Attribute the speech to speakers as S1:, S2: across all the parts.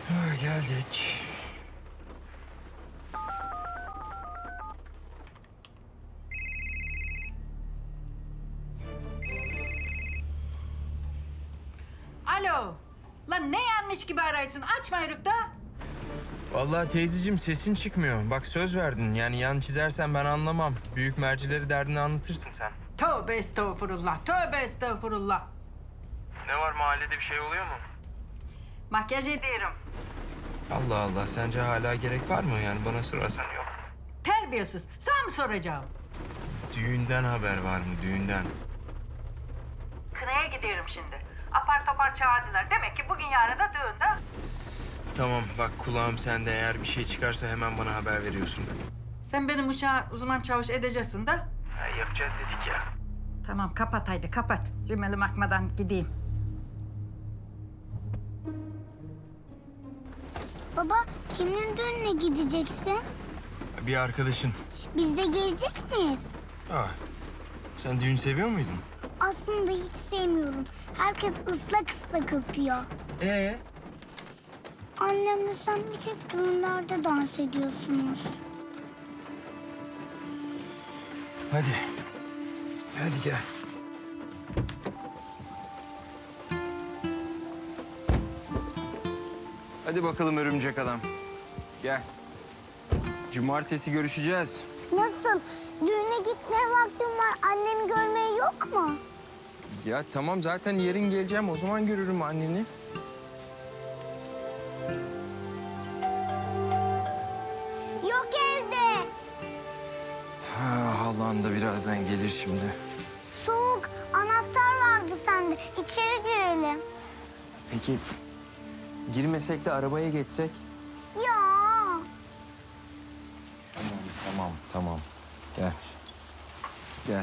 S1: Geldik.
S2: Alo. Lan ne yanmış gibi araysın? Açma Yörük da.
S1: Vallahi teyzeciğim sesin çıkmıyor. Bak söz verdin. Yani yan çizersen ben anlamam. Büyük mercileri derdini anlatırsın sen.
S2: Tövbe estağfurullah. Tövbe estağfurullah.
S1: Ne var mahallede bir şey oluyor mu?
S2: Makyaj ediyorum.
S1: Allah Allah sence hala gerek var mı? Yani bana sorarsan yok.
S2: Terbiyesiz. Sana mı soracağım?
S1: Düğünden haber var mı düğünden?
S2: Kınaya gidiyorum şimdi. Apar topar çağırdılar. Demek ki bugün yarın da düğünde.
S1: Tamam bak kulağım sende, eğer bir şey çıkarsa hemen bana haber veriyorsun.
S2: Sen benim uşağı uzman çavuş edeceksin de.
S1: Yapacağız dedik ya.
S2: Tamam kapat haydi kapat. Rimelim akmadan gideyim.
S3: Baba, kimin düğününe gideceksin?
S1: Bir arkadaşın.
S3: Biz de gelecek miyiz?
S1: Sen düğün seviyor muydun?
S3: Aslında hiç sevmiyorum. Herkes ıslak ıslak öpüyor. Annemle sen bir tek düğünlerde dans ediyorsunuz.
S1: Hadi. Hadi gel. Hadi bakalım örümcek adam. Gel. Cumartesi görüşeceğiz.
S3: Nasıl? Düğüne gitmeye vaktim var. Annemi görmeye yok mu?
S1: Ya tamam zaten yarın geleceğim. O zaman görürüm anneni.
S3: Yok evde.
S1: Halan da birazdan gelir şimdi.
S3: Soğuk. Anahtar vardı sende. İçeri girelim.
S1: Peki girmesek de arabaya geçsek?
S3: Ya.
S1: Tamam. Gel. Gel.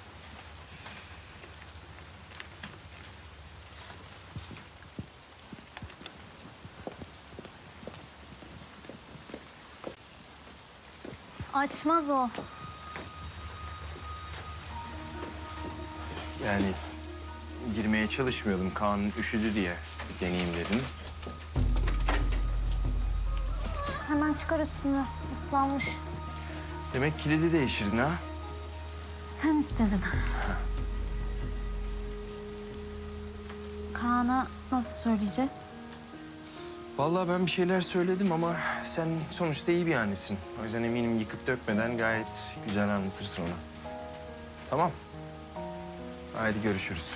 S3: Açmaz o.
S1: Yani girmeye çalışmıyordum. Kaan üşüdü diye deneyeyim dedim.
S3: Hemen çıkar üstünü. Islanmış.
S1: Demek kilidi değiştirdin ha?
S4: Sen istedin. Kaan'a nasıl söyleyeceğiz?
S1: Vallahi ben bir şeyler söyledim ama sen sonuçta iyi bir annesin. O yüzden eminim yıkıp dökmeden gayet güzel anlatırsın ona. Tamam. Haydi görüşürüz.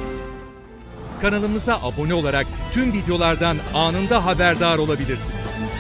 S5: Kanalımıza abone olarak tüm videolardan anında haberdar olabilirsiniz.